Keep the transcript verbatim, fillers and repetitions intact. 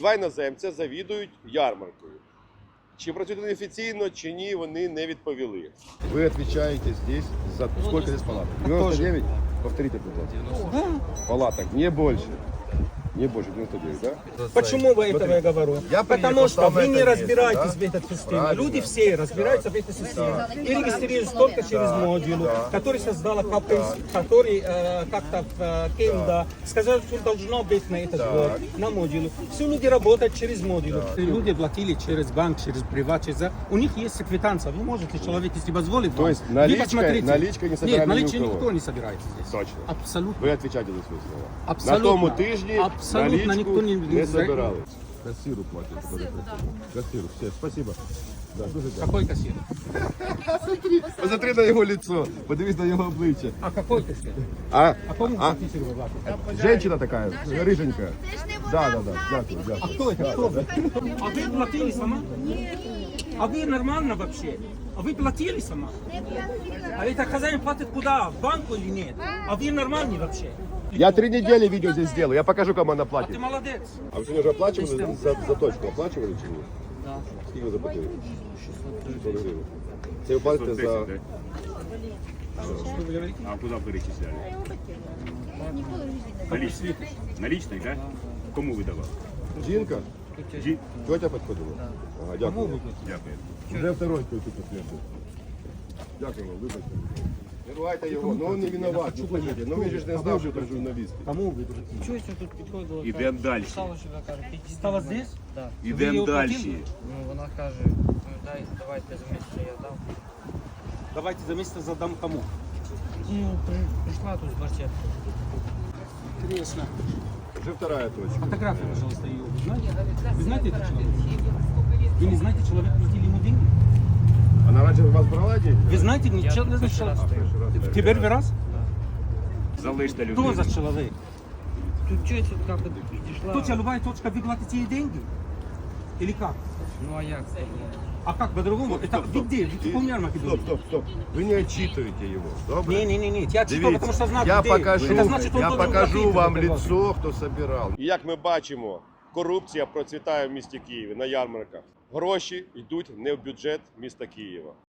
Два іноземця завідують ярмаркою. Чи працюють вони офіційно, чи ні, вони не відповіли. Вы отвечаете здесь за сколько здесь палаток? девяносто девять? Повторите, пожалуйста. Палаток, не больше. Не больше, девяносто девять, да? Почему вы этого я говорю? Я Потому приехал, что там вы это не место, разбираетесь да? в этой системе. Правильно. Люди все разбираются в этой системе. И регистрируются только через модуль, который создала Капинс, который э, как-то в э, Кенда сказал, что должно быть на этот год, на модуле. Все люди работают через модуль. Люди платили через банк, через приват, через... У них есть квитанция. Вы можете, человек, если позволит, То вам, есть вы наличкой- посмотрите. наличкой не собираем Нет, ни у наличкой кого. никто не собирается здесь. Точно. Абсолютно. Ви відповідаєте за свої слова. Абсолютно. На тому тижні Абсолютно наличку ніхто не- не собирали. Кассиру платять. Кассиру, все, спасибо. Да, дуже дякую. Какой кассир? Посмотри на його лицо, подивись на його обличчя. А какой кассир? А, А кому а, кассир вы платите? женщина така, рыженькая. Да, да, да, дякую, А дякую. кто это? Кто вы? А вы платили сама? А вы нормально вообще? А вы платили сама? А это хозяин платит куда? В банку или нет? А вы нормальный вообще? Я три недели видео здесь сделаю, я покажу, кому она Ты платит. молодец. А вы сегодня уже оплачивали за, за точку? Оплачивали чи ні? Да. Скільки ви заплатили? шістсот гривень. Це ви платите за... да? А куда перечисляли? Наличных. Наличных, да? Кому выдавал? Жінка? Жи... Тетя підходила? Ага, дякую. Дякую. Вже второй тут слідчий. Дякую вам, вибачте. Не ругайте його, ну він не виноват, ну поймите. Ну він же ж не знав, що це журналіст. Кому вы платили? Чогось тут підходило. Ідемо далі. Стало, що вона каже, підійди. Стало здесь? Да. Ідемо її далі. оплатили? Ну, вона каже, ну, дай, давайте за місце я дам. Давайте за месяц задам кому? Ну, при, прийшла тут з барсеткою. Интересно. Вже вторая точка. Фотографию, пожалуйста, ее. Вы знаете? Вы знаете этого человека? Вы не знаете, человек платили ему деньги? Вона раніше у вас брала деньги? Вы знаете, не Я чел- не перший раз человек? стою. Теперь вы раз? Залиште Кто он людей. за человек? Тут чогось тут як от підійшла. Точка, любая точка, вы платите ей деньги? Или как? Ну, а як? А как по-другому? Это вы где? Вы в каком ярмарке Стоп, были? стоп, стоп. Ви не отчитуєте його, добре? Не, не, не, не. Я читал, потому что знаю, я где. покажу, Это значит, он я должен покажу платить вам за это. лицо, хто собирав. І як ми бачимо, корупція процвітає в місті Києві на ярмарках. Гроші йдуть не в бюджет міста Києва.